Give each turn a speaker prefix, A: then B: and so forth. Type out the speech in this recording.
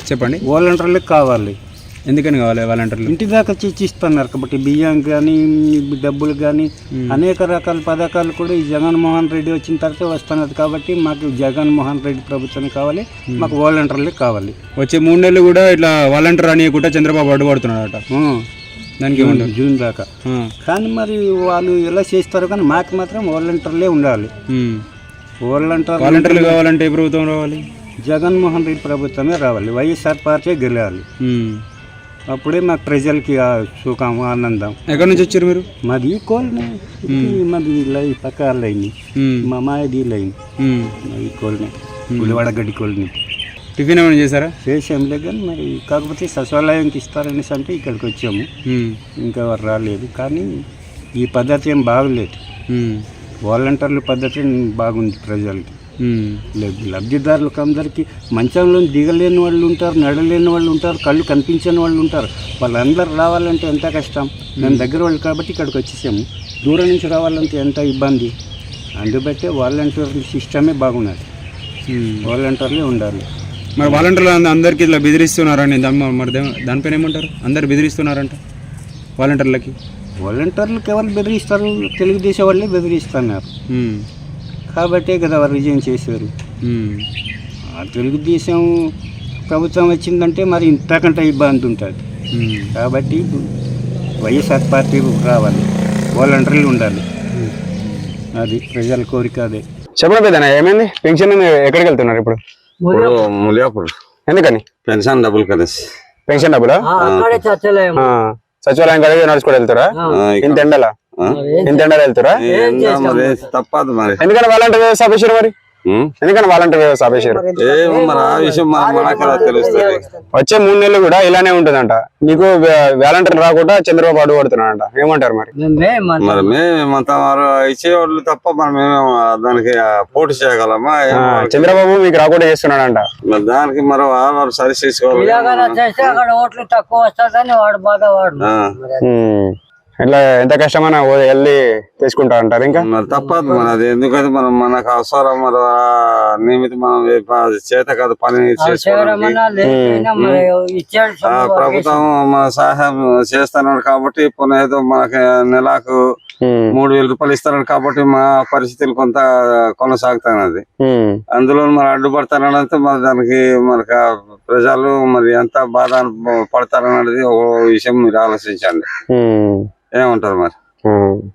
A: చెప్పండి.
B: వాలంటీర్లకు కావాలి.
A: ఎందుకని కావాలి వాలంటీర్లు?
B: ఇంటి దాకా ఇస్తున్నారు కాబట్టి బియ్యం కానీ డబ్బులు కానీ అనేక రకాల పథకాలు కూడా ఈ జగన్మోహన్ రెడ్డి వచ్చిన తర్వాత వస్తున్నది కాబట్టి మాకు జగన్మోహన్ రెడ్డి ప్రభుత్వం కావాలి, మాకు వాలంటీర్లు కావాలి.
A: వచ్చే 3 నెలలు కూడా ఇట్లా వాలంటీర్ అని కూడా చంద్రబాబు అడ్డుపడుతున్నాడట. దానికి ఏమంటారు?
B: జూన్ దాకా. కానీ మరి వాళ్ళు ఎలా చేస్తారు కానీ మాకు మాత్రం వాలంటీర్లే ఉండాలి.
A: వాలంటీర్లు కావాలంటే ఏ ప్రభుత్వం రావాలి?
B: జగన్మోహన్ రెడ్డి ప్రభుత్వమే రావాలి, వైఎస్ఆర్ పార్టీ గెలవాలి. అప్పుడే మాకు ప్రజలకి సుఖం ఆనందం.
A: ఎక్కడి నుంచి వచ్చారు మీరు?
B: మాది కోల్ని, మాది లైన్ పక్క లైన్, మా మాది లైన్, మాది కోల్ని, ఉల్లివాడగడ్డి కోల్ని.
A: టిఫిన్ ఏమైనా చేశారా?
B: చేసాంలే కానీ మరి కాకపోతే సచివాలయంకి ఇస్తారనేసి అంటే ఇక్కడికి వచ్చాము, ఇంకా వారు రాలేదు. కానీ ఈ పద్ధతి ఏం బాగలేదు, వాలంటీర్ల పద్ధతి బాగుంది ప్రజలకి. లబ్ధిదారులకు అందరికీ మంచంలో దిగలేని వాళ్ళు ఉంటారు, నడలేని వాళ్ళు ఉంటారు, కళ్ళు కనిపించని వాళ్ళు ఉంటారు. వాళ్ళందరూ రావాలంటే ఎంత కష్టం. మేము దగ్గర వాళ్ళు కాబట్టి ఇక్కడికి వచ్చేసాము, దూరం నుంచి రావాలంటే ఎంత ఇబ్బంది. అందుబట్టే వాలంటీర్ సిస్టమే బాగున్నది, వాలంటీర్లే ఉండాలి.
A: మరి వాలంటీర్లు అందరికీ ఇట్లా బెదిరిస్తున్నారని మరి దానిపైన ఏమంటారు? అందరు బెదిరిస్తున్నారంట వాలంటీర్లకి.
B: వాలంటీర్లకు ఎవరు బెదిరిస్తారు? తెలుగుదేశం వాళ్ళే బెదిరిస్తున్నారు కాబట్టే కదా వారు విజయం చేశారు. తెలుగుదేశం ప్రభుత్వం వచ్చిందంటే మరి ఇంతకంటే ఇబ్బంది ఉంటుంది. కాబట్టి వైఎస్ఆర్ పార్టీ రావాలి, వాలంటీర్లు ఉండాలి, అది ప్రజల కోరిక. అదే
A: చెప్పడం పెద్దనా. ఏమైంది? పెన్షన్ ఎక్కడికి వెళ్తున్నారు ఇప్పుడు?
C: ములియాపూర్.
A: ఎందుకని?
C: పెన్షన్ డబ్బులు కలిసి.
A: పెన్షన్ డబ్బులా? సచివాలయం కలిగి నడుచుకోవడం వెళ్తారా? ఇంత ఎండలా వెళ్తారా?
C: తప్పదు మరి.
A: ఎందుకని వాలంటీర్ వ్యవస్థ ఆపేశారు? మరి ఎందుకని వాలంటీర్ వ్యవస్థ ఆపేశారు?
C: మరి ఆ విషయం మనకు తెలుస్తుంది.
A: వచ్చే 3 నెలలు కూడా ఇలానే ఉంటుందంట. మీకు వాలంటీర్ రాకుండా చంద్రబాబు అడ్డుపడుతున్నాడంట. ఏమంటారు మరి?
C: మరి మేమంతా ఇచ్చేవాళ్ళు తప్ప మనం దానికి పోటీ చేయగలమా?
A: చంద్రబాబు మీకు రాకుండా చేస్తున్నాడంట.
C: మరి దానికి మరి వారు సరి చేసుకోవాలి.
A: ఇట్లా ఎంత కష్టమైనా వెళ్ళి తీసుకుంటా అంటారు. ఇంకా
C: మరి తప్పదు మరి అది. ఎందుకంటే మనం మనకు అవసరం మరి నియమిత మనం చేత కాదు పని ప్రభుత్వం మన సహాయం చేస్తున్నాడు కాబట్టి ఇప్పుడు ఏదో మనకి నెలకు 3,000 రూపాయలు ఇస్తున్నాడు కాబట్టి మా పరిస్థితులు కొంత కొనసాగుతున్నది. అందులో మరి అడ్డుపడతానంటే మరి దానికి మనకు ప్రజలు మరి ఎంత బాధ పడతారన్నది ఒక విషయం మీరు ఆలోచించండి. ఏమంటారు మరి?